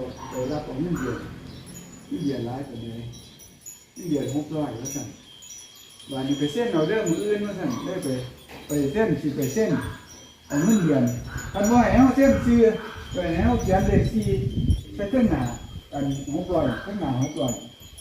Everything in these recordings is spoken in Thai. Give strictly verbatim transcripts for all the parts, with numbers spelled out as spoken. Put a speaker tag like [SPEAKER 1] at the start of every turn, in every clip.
[SPEAKER 1] ไปรับของเงินเดือนเงินเดือนหลายกว่าเลยเงินเดือนหกร้อยแล้วสั่นวันนี้ไปเส้นเอาเรื่องมืออื่นมาสั่นได้ไปไปเส้นสิไปเส้นเอาเงินเดือนคันว่าให้เฮาเส้นซื้อไปให้เฮาเขียนเลขสี่ใส่เครื่องหน้าอันหกร้อยเครื่องหน้าหกร้อย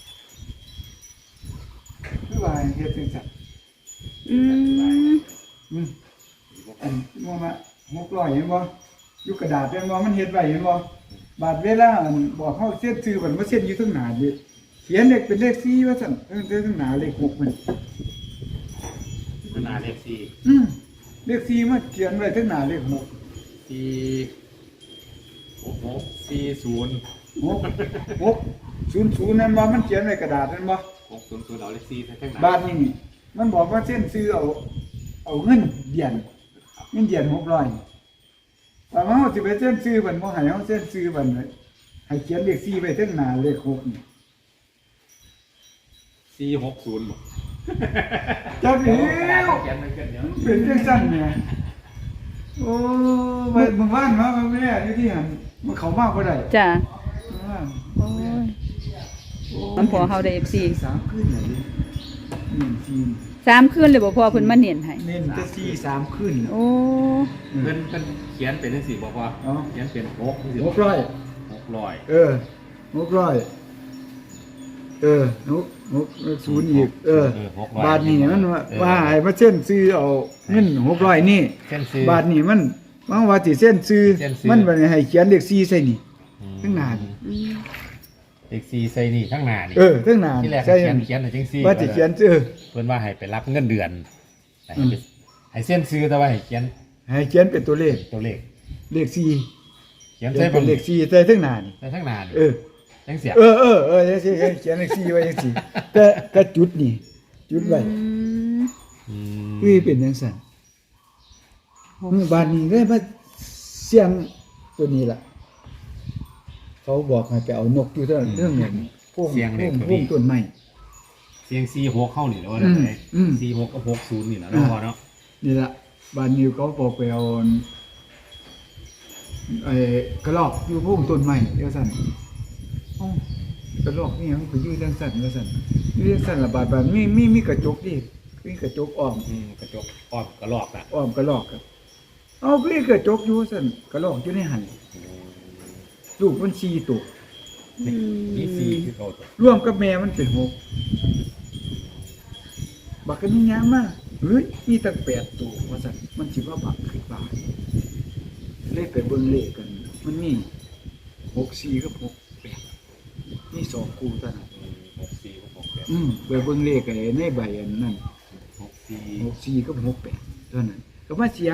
[SPEAKER 1] คือว่าเฮ็ดจังซั่น
[SPEAKER 2] อืม
[SPEAKER 1] อืมอันว่ามาหกร้อยเห็นบ่อยู่กระดาษเห็นบ่มันเฮ็ดไว้เห็นบ่บาดเวลาอันบอกเฮาเส้นซื้อมันบ่เส้นอยู่ข้างหน้าดิเขียนเลขเป็นเลขสี่ว่าซั่นเออแต่ข้างหน้าเลขหกมัน
[SPEAKER 3] ขนาดเลขสี่
[SPEAKER 1] อืมเลขสี่มาเขียนไว้ข้างหน้าเลขหก
[SPEAKER 3] สี่หกหกสี่ศูนย์
[SPEAKER 1] หกหกศูนย์ศูนย์นั่นบ่มันเขียนไว้กระดาษนั่นบ่
[SPEAKER 3] หกศูนย์ศูนย์เอาเลขสี่ใส่ข้างหน้า
[SPEAKER 1] บาทนี่มันบอกว่าเส้นซื้อเอาเอาเงินเดือนเงินเดือนหกร้อยแต่ว่าเฮาสิไปเส้นซื้อมันบ่ให้เฮาเส้นซื้อมันไว้ให้เขียนเลขสี่ไว้ข้างหน้าเลขหกนี่
[SPEAKER 3] สี่หกศูนย์บ่
[SPEAKER 1] จัก
[SPEAKER 3] เดี๋
[SPEAKER 1] เดี
[SPEAKER 3] ยวกระดาษ
[SPEAKER 1] ยว
[SPEAKER 3] เขียนไว้กันเดี๋ยว
[SPEAKER 1] เป็นจังซั่นแหมโอ้เมื่อเมื่อวานมาแม่อยู่ที่หันมันเข้ามาบ่ได้
[SPEAKER 2] จ้ะ
[SPEAKER 1] เมื่อวาน
[SPEAKER 2] โอ้ยมันพอเฮาได้ เอฟ ซี
[SPEAKER 1] สามคืนน่ะดิหนึ่งทีม
[SPEAKER 2] สามคืนเลยบ่พอเพิ่นมาเน้นให้
[SPEAKER 1] เน้นจะสี่สามคืนน่ะ
[SPEAKER 2] โอ้
[SPEAKER 3] เพิ่นเพิ่นเขียนเป็นจังซี่บ่พอ
[SPEAKER 1] อ๋อ
[SPEAKER 3] เขียนเป็นหกจังซี่
[SPEAKER 1] หกร้อย
[SPEAKER 3] หกร้อย
[SPEAKER 1] เออหกร้อยเออหกหกศูนย์อีกเออ
[SPEAKER 3] หกร้อย
[SPEAKER 1] บาทนี่มันว่า
[SPEAKER 3] เออ
[SPEAKER 1] ว่าให้มาเส้นซื้อเอาเงินหกร้อยนี่
[SPEAKER 3] เส้นซื้อบ
[SPEAKER 1] าทนี่มันมันว่าสิเส้นซื้อ
[SPEAKER 3] เส้นซื้อ
[SPEAKER 1] มันบ่ได้ให้เขียนเลขสี่ใส่นี่
[SPEAKER 3] อืม
[SPEAKER 1] ข้างหน้านี่
[SPEAKER 2] อืม
[SPEAKER 3] เลขสี่ใส่นี่ข้างหน้านี่
[SPEAKER 1] เออข้างหน้า
[SPEAKER 3] ที่แรก
[SPEAKER 1] ใส่
[SPEAKER 3] เขียนเขียนแต่จังซี่
[SPEAKER 1] ว่าสิเขียนซื้อ
[SPEAKER 3] เพิ่นว่าให้ไปรับเงินเดือนให้
[SPEAKER 1] อืม
[SPEAKER 3] ไปให้เส้นซื้อแต่ว่าให้เขียน
[SPEAKER 1] ให้เขียนเป็นตัวเลข
[SPEAKER 3] ตัวเลข
[SPEAKER 1] เลขสี่
[SPEAKER 3] เขียน
[SPEAKER 1] เขี
[SPEAKER 3] ใส่
[SPEAKER 1] ยนเป็นเลขสี่ใส่ข้างหน้านี่
[SPEAKER 3] ใส่ข้างหน้านี่
[SPEAKER 1] เออ
[SPEAKER 3] จังเสีย
[SPEAKER 1] เออเออเออจังซี่เขียนเลขสี่ไว้จังซี่แต่ก็จุดนี่จุดไว้
[SPEAKER 2] อืม
[SPEAKER 3] อืม
[SPEAKER 1] คือเป็นจังซั่นหมู่บ้านนี้ได้มาเสียงตัวนี้ล่ะ เขาบอกให้ไปเอานกอยู่เท่าเรื่องเนี่ยพวก
[SPEAKER 3] เสียง
[SPEAKER 1] พ
[SPEAKER 3] เล
[SPEAKER 1] ว
[SPEAKER 3] ข
[SPEAKER 1] ก
[SPEAKER 3] ตัว
[SPEAKER 1] พวก
[SPEAKER 3] นี้
[SPEAKER 1] ต้นไม้
[SPEAKER 3] เสียงสี่หกเข้านี่แล้วว่า
[SPEAKER 1] อืม
[SPEAKER 3] ได้
[SPEAKER 1] อืม
[SPEAKER 3] สี่หกกับหกศูนย์นี่แหละเนาะพอเนาะ
[SPEAKER 1] นี่ล่ะบ้านนิวเขาบอกไปเอาไอ้กระรอกอยู่พวกต้นไม้เดี๋ยวสั่นเอ้ากระรอกนี่ยังไปอยู่จังสั่นว่าสั่นอยู่จังสั่นละบาดบาดมีมีมีกระจกดิมีกระจกอ้อม
[SPEAKER 3] อืมกระจกอ้อมกระลอกอ่ะ
[SPEAKER 1] อ้อมกระรอกครับเอาก็มีกระจกอยู่ว่าสั่นกระรอกอยู่ในหันลูกมันสี่ตัว
[SPEAKER 3] นี่นี่สี่คือเขาตัว
[SPEAKER 1] ร่วมกับแม่มันเป็นหกบักกันนี่ยามมาเฮ้ยมีตั้งแปดตัวว่าสั่นมันสิว่าบักขึ้นบาทเลขไปเบิ่งเลขกัน มันมีหกสี่กับหกแปดนี่สองคู่เท่านั้น
[SPEAKER 3] อืมหกสี่กับหกแปด
[SPEAKER 1] อืมไปเบิ่งเลขไอ้ในใบอันนั้น
[SPEAKER 3] หกสี่
[SPEAKER 1] หกสี่กับหกแปดเท่านั้นก็มาเสียง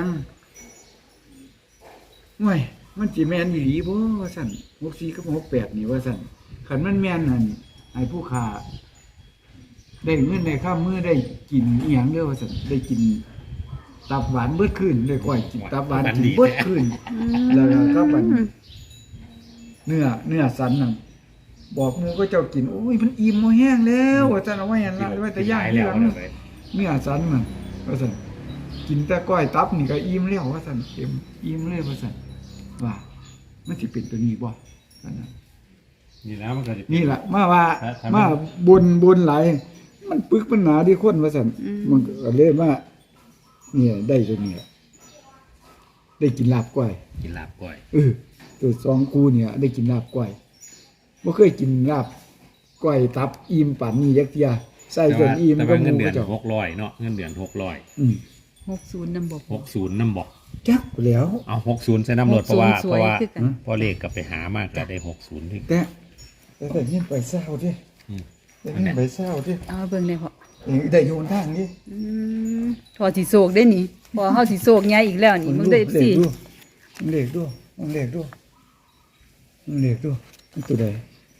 [SPEAKER 1] ห่วยมันสิแม่นอีหลีบ่ว่าซั่นหกสี่กับหกแปดนี่ว่าซั่นคันมันแม่นนั่นให้ผู้ค้าได้เงินได้ค่ามื้อได้กินอีหยังเด้อว่าซั่นได้กินตับหวานเบิดคืนได้ก้อยกินตับหวานกินเบิดคืน แล้วก็ก็บัดเนื้อเนื้อสันนั่นบอกหมูก็เจ้ากินโอ้ยมันอิ่มบ่แห้งแล้วว่าซั่นเอาไว้หั่นละไว้แต่ย่างที
[SPEAKER 3] แล้ว
[SPEAKER 1] หลัง
[SPEAKER 3] เลย
[SPEAKER 1] เนื้อสันมันว่าซั่นกินแต่ก้อยตับนี่ก็อิ่มแล้วว่าซั่นเต็มอิ่มเลยว่าซั่นว่ามันสิเป็นตัวนี้บ่ซั่นน่ะ
[SPEAKER 3] นี่แล้วมันก็จะ
[SPEAKER 1] นี่ล่ะมาว่า
[SPEAKER 3] ถ้าถ้ามัน
[SPEAKER 1] มาบนบนหลายมันปึกมันหนาดีคนว่าซั่นมันก็เลยมาเนี่ยได้ตัวนี้ล่ะได้กินลาบก้อย
[SPEAKER 3] กินลาบก้อย
[SPEAKER 1] เออตัวสองกูเนี่ยได้กินลาบก้อยบ่เคยกินลาบก้อยตับอิ่มปานนี้จักเที่ยใส่
[SPEAKER 3] แต่
[SPEAKER 1] จ
[SPEAKER 3] ว่าน
[SPEAKER 1] อิ่ม
[SPEAKER 3] แต่
[SPEAKER 1] ก็
[SPEAKER 3] ว่า
[SPEAKER 1] ห
[SPEAKER 3] เงิน
[SPEAKER 1] มู
[SPEAKER 3] เดื
[SPEAKER 1] ก็
[SPEAKER 3] อน
[SPEAKER 1] เจ้า
[SPEAKER 3] หกร้อยเนาะเงินเดือนหกร้อย
[SPEAKER 1] อืม
[SPEAKER 2] หกศูนย์นำบ่
[SPEAKER 3] หกศูนย์น้ำบอก
[SPEAKER 1] จักแล้ว
[SPEAKER 3] เอาหกศูนย์ใส่น้ำรถเพราะว่า
[SPEAKER 2] หกศู
[SPEAKER 3] เพ
[SPEAKER 2] นย์
[SPEAKER 3] ราะว่า
[SPEAKER 2] สวยคือกัน
[SPEAKER 3] พอเลขกลับไปหามากก็ได้หกศูนย์ที่
[SPEAKER 1] แต่แต่แต่ยินไปเศร้าดิ
[SPEAKER 3] อืม
[SPEAKER 1] แต่ยินไปเศร้าดิ
[SPEAKER 2] เอาเบิ่งได้พอ
[SPEAKER 1] เอ้ยได้โยนทางดิ
[SPEAKER 2] อืมพอสิโศกได้นี่พอเฮาสิโศกใหญ่อีกแล้วนี่มึงได้
[SPEAKER 1] เลข
[SPEAKER 2] สิ
[SPEAKER 1] ดูเลขดูเลขดูเลขดูมันตัวใด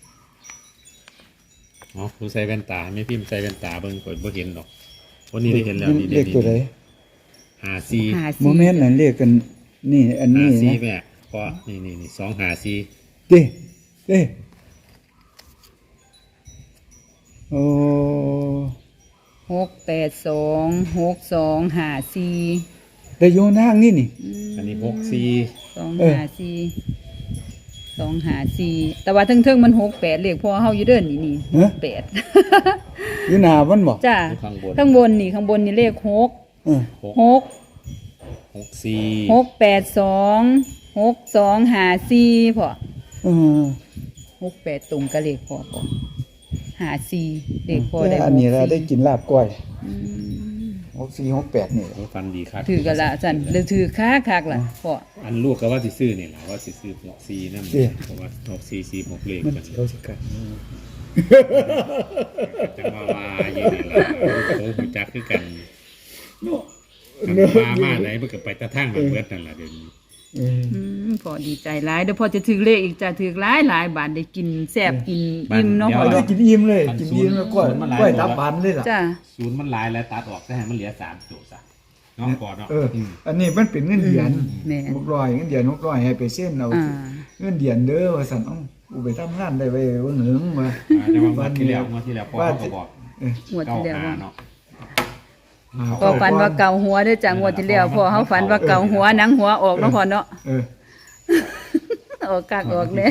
[SPEAKER 3] อ๋อผู้ใส่แว่นตาไม่พิมพ์ใส่แว่นตาเบิ่งก่อนบ่เห็นดอกวันนี้ได้เห็นแล้วนี่
[SPEAKER 1] เลขตัวใด
[SPEAKER 3] หาสี่
[SPEAKER 2] หา
[SPEAKER 1] โม
[SPEAKER 2] สิ
[SPEAKER 1] เมนต์นั้นเลขกันนี่อัน
[SPEAKER 3] หา
[SPEAKER 1] นี้
[SPEAKER 3] สี่
[SPEAKER 1] นะ
[SPEAKER 3] แม่ก็นี่นี่นี่สองหาสี่
[SPEAKER 1] ดิเด้โอ้
[SPEAKER 2] หกแปดสองหกสองห้าสี่
[SPEAKER 1] ได้โยนทางนี่นี่
[SPEAKER 2] อืม
[SPEAKER 3] อันนี้หกสี่
[SPEAKER 2] สอง
[SPEAKER 1] เออ
[SPEAKER 2] ห้าสี่สองหาสี่แต่ว่าเทิงๆมันหกแปดเลขพ่อเฮาอยู่เด้อนี่นี่หกแปด
[SPEAKER 1] อยู่หน้ามันบ่
[SPEAKER 2] จ้า
[SPEAKER 3] อยู่ข้างบน
[SPEAKER 2] ข้างบนนี่ข้างบนนี่เลขหก
[SPEAKER 1] เออ
[SPEAKER 3] หก
[SPEAKER 2] หก
[SPEAKER 3] หกสี่
[SPEAKER 2] หกแปดสองหกสองหาสี่พ่อ
[SPEAKER 1] เออ
[SPEAKER 2] หกแปดตรงกับเลขพ่อพ่อหาสี่เลขพ่อได้
[SPEAKER 1] แต่อันนี้เราได้กินลาบก้อย
[SPEAKER 2] อืม
[SPEAKER 1] หกสี่หกแปดนี่
[SPEAKER 3] โอ้ฟันดีครับ
[SPEAKER 2] ถือกันละจันหรือถือค้าคักล่ะพ่อ
[SPEAKER 3] อันลูกก็ว่าสิซื้อนี่แหละว่าสิซื้อหกสี่นั่นเพราะว่าหกสี่สี่หกเลข
[SPEAKER 1] มัน
[SPEAKER 3] กัน
[SPEAKER 1] เขาสิกัน
[SPEAKER 3] จังว่าว่าอยู่นี่ล่ะโอ้หูจักคือกันมันมามาไหนมันก็ไปแตะทางแบบเบิดนั่นล่ะเดี๋ยวนี้
[SPEAKER 1] เออ
[SPEAKER 2] อืมพ่อดีใจหลายเดี๋ยวพ่อจะถือเลขอีกจะถือหลายหลายบาทได้กินแซ่บกินอิ่มเนาะพ่อ
[SPEAKER 1] ได้
[SPEAKER 2] เนาะ
[SPEAKER 1] กินอิ่มเลยกินอิ่มแล้วก้อยก้อยตับหวานเลยล่ะ
[SPEAKER 2] จ้า
[SPEAKER 3] ศูนย์มันหลายแล้วตัดออกแต่ให้มันเหลือสามจุดซะน้องก่อนเนาะ
[SPEAKER 1] เอออันนี้มันเป็นเงินเดือน
[SPEAKER 2] แม่
[SPEAKER 1] หกร้อยเงินเดือนหกร้อยให้ไปเส้นเอา
[SPEAKER 2] อ่า
[SPEAKER 1] เงินเดือนเด้อว่าสั่นเอ้ากูไปทำงานได้ไปเบิ่งหึงมา
[SPEAKER 3] อ่าแต่ว่างวดที่แล้วงวดที่แล้วพ่อเขาก็บอก
[SPEAKER 1] เออง
[SPEAKER 2] วด
[SPEAKER 3] เก้า
[SPEAKER 2] ที่แล้ว
[SPEAKER 3] หา
[SPEAKER 2] ว่า
[SPEAKER 3] เนาะ
[SPEAKER 2] ก็ฝันว่าเกาหัวเด้อจ้างวดที่แล้วพ่อเฮาฝันว่าเกาหัวหนังหัวออกเนาะพ่อเนาะ
[SPEAKER 1] เออ
[SPEAKER 2] ออกกากออกเด้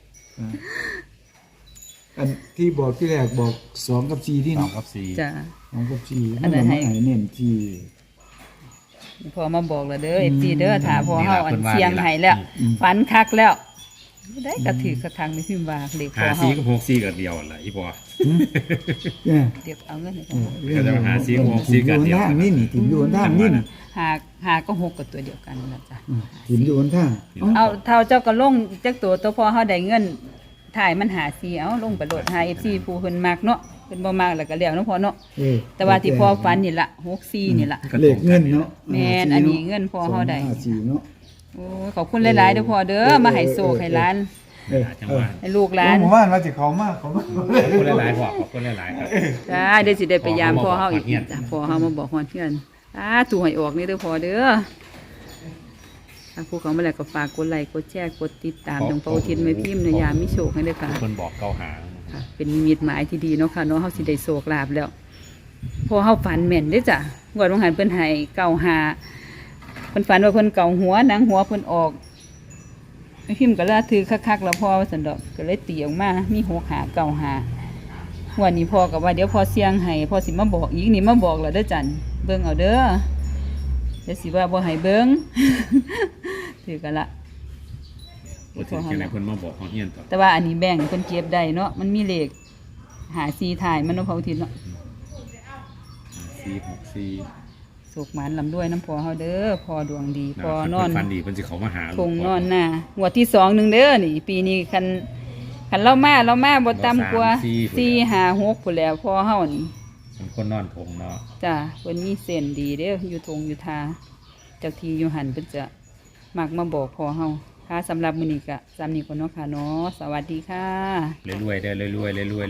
[SPEAKER 1] อันที่บอกที่แรกบอกสองกับสี่ที่
[SPEAKER 3] สอง
[SPEAKER 1] เนาะ
[SPEAKER 3] กับสี่
[SPEAKER 2] จ้า
[SPEAKER 1] สองกับสี่
[SPEAKER 2] อันนั้นให้
[SPEAKER 1] ให้เน้นที่
[SPEAKER 2] พ่อมาบอกแล้วเด้อ เอฟ ซี เด้อถ้าพ่อเฮาอันเสียงให้แล้วฝันคักแล้วได้กระถือกระทังในพิมพ์ว่าเลขพ่
[SPEAKER 3] หา
[SPEAKER 2] อเฮา
[SPEAKER 3] สี่กับหกสี่กับเดียวแหละอีพ่อ
[SPEAKER 1] เนี่ย
[SPEAKER 2] เดี๋ยวเอาเงินให้พ่อ
[SPEAKER 3] ก็จะมาหาสี่หกสี่กันเดียว
[SPEAKER 1] ทางนี่นี่ถิ่มอยู่บนทางนี่นี่
[SPEAKER 2] หาหาก็หกกับตัวเดียวกันนั่นล่ะจ้ะ
[SPEAKER 1] อืมถิ่มอยู่บนทางเอ้า
[SPEAKER 2] เอาเท่าเจ้าก็ลงจักตัวตัวพอเฮาได้เงินถ่ายมันหาซีเอาลงไปโหลดหา เอฟ ซี ผู้เพิ่นมักเนาะเพิ่นบ่มักแล้วก็แล้วเนาะพ่อเนาะ
[SPEAKER 1] เออ
[SPEAKER 2] แต่ว่าที่พ่อฝันนี่ล่ะหกสี่นี่ล่ะ
[SPEAKER 1] เลขเงินเนาะ
[SPEAKER 2] แม่นอันนี้เงินพ่อเฮาได้
[SPEAKER 1] สองห้สี่เนาะ
[SPEAKER 2] โอ้ยขอบคุณหลายๆเด้อพ่อเด้อมาให้โชคให้หลาน
[SPEAKER 1] เออ
[SPEAKER 3] จัง
[SPEAKER 1] เอ
[SPEAKER 3] ห
[SPEAKER 1] อ
[SPEAKER 3] วะ
[SPEAKER 2] ให้ลูกหลา
[SPEAKER 1] แล้
[SPEAKER 2] น
[SPEAKER 1] วหมู่บ้านว่าสิเขามากเขามาก
[SPEAKER 3] ขอบคุณหลายๆพ่อขอบคุณหลายๆครับ
[SPEAKER 2] จ้าเดี๋ยวสิได้ไปยามพ่อเฮาอีก
[SPEAKER 3] พ่อเฮียน
[SPEAKER 2] จ้ะพ่อเฮามาบอกฮอดเพื่อนอ่าตู่ให้ออกนี่เด้อพ่อเด้อถ้าผู้เขามาแล้วก็ฝากกดไลค์กดแชร์กดติดตามทางเป้าทินแม่พิมพ์ในยามมีโชคให้เด้อค่ะ
[SPEAKER 3] คนบอกเก้าหา
[SPEAKER 2] ค่ะเป็นนิมิตหมายที่ดีเนาะค่ะเนาะเฮาสิได้โศกลาบแล้วพอเฮาฝันแม่นเด้อจ้ะงวดวงหันเพิ่นให้เก่าหาเพิ่นฝันว่าเพิ่นเก่าหัวหนังหัวเพิ่นออกไอ้พิมพ์ก็ละถือคักๆแล้วพอว่าซั่นดอกก็เลยตีออกมามีหกหาเก่าหางวดนี้พ่อก็ว่าเดี๋ยวพอเสียงให้พ่อสิมาบอกอีกนี่มาบอกแล้วเด้อจันเบิ่งเอาเด้อเดี๋ยวสิว่าบ่ให้เบิ่ง ถือกันละ
[SPEAKER 3] ว่าถึงจังไหนเพิ่นมาบอกของเฮียนต่อ
[SPEAKER 2] แต่ว่าอันนี้แบ่งเพิ่นเก็บได้เนาะมันมีเลขหาซีถ่ายมันเนาะพระอุทิศเนาะ
[SPEAKER 3] สี่หกสี่
[SPEAKER 2] สุกหมันลำด้วยน้ำพอเฮาเด้อพอดวงดีพอนอน
[SPEAKER 3] เพิ่ฟันดีเพิ่นสิเขามาหา
[SPEAKER 2] คงนอนหน้าหัวดที่สองหนึ่งเด้อนี่ปีนี้คันคันเล่ามาเล่ามาบ่ต่ำกว่าสี่ห้าหกพุ่นแหล้วพอเฮานี่
[SPEAKER 3] เป็นคนนอนทงเนาะ
[SPEAKER 2] จ้าเพิ่นมีเส้นดีเด้ออยู่ทงอยู่ทาเจ้าที่อยู่หันเพิ่นจะมักมาบอกพอเฮาค่ะสำหรับมื้อนี้ก็ซ้ำนี้ก่อนเนาะค่ะเนาะสวัสดีค่ะ
[SPEAKER 3] รวยๆเด้อรวยๆรวยๆ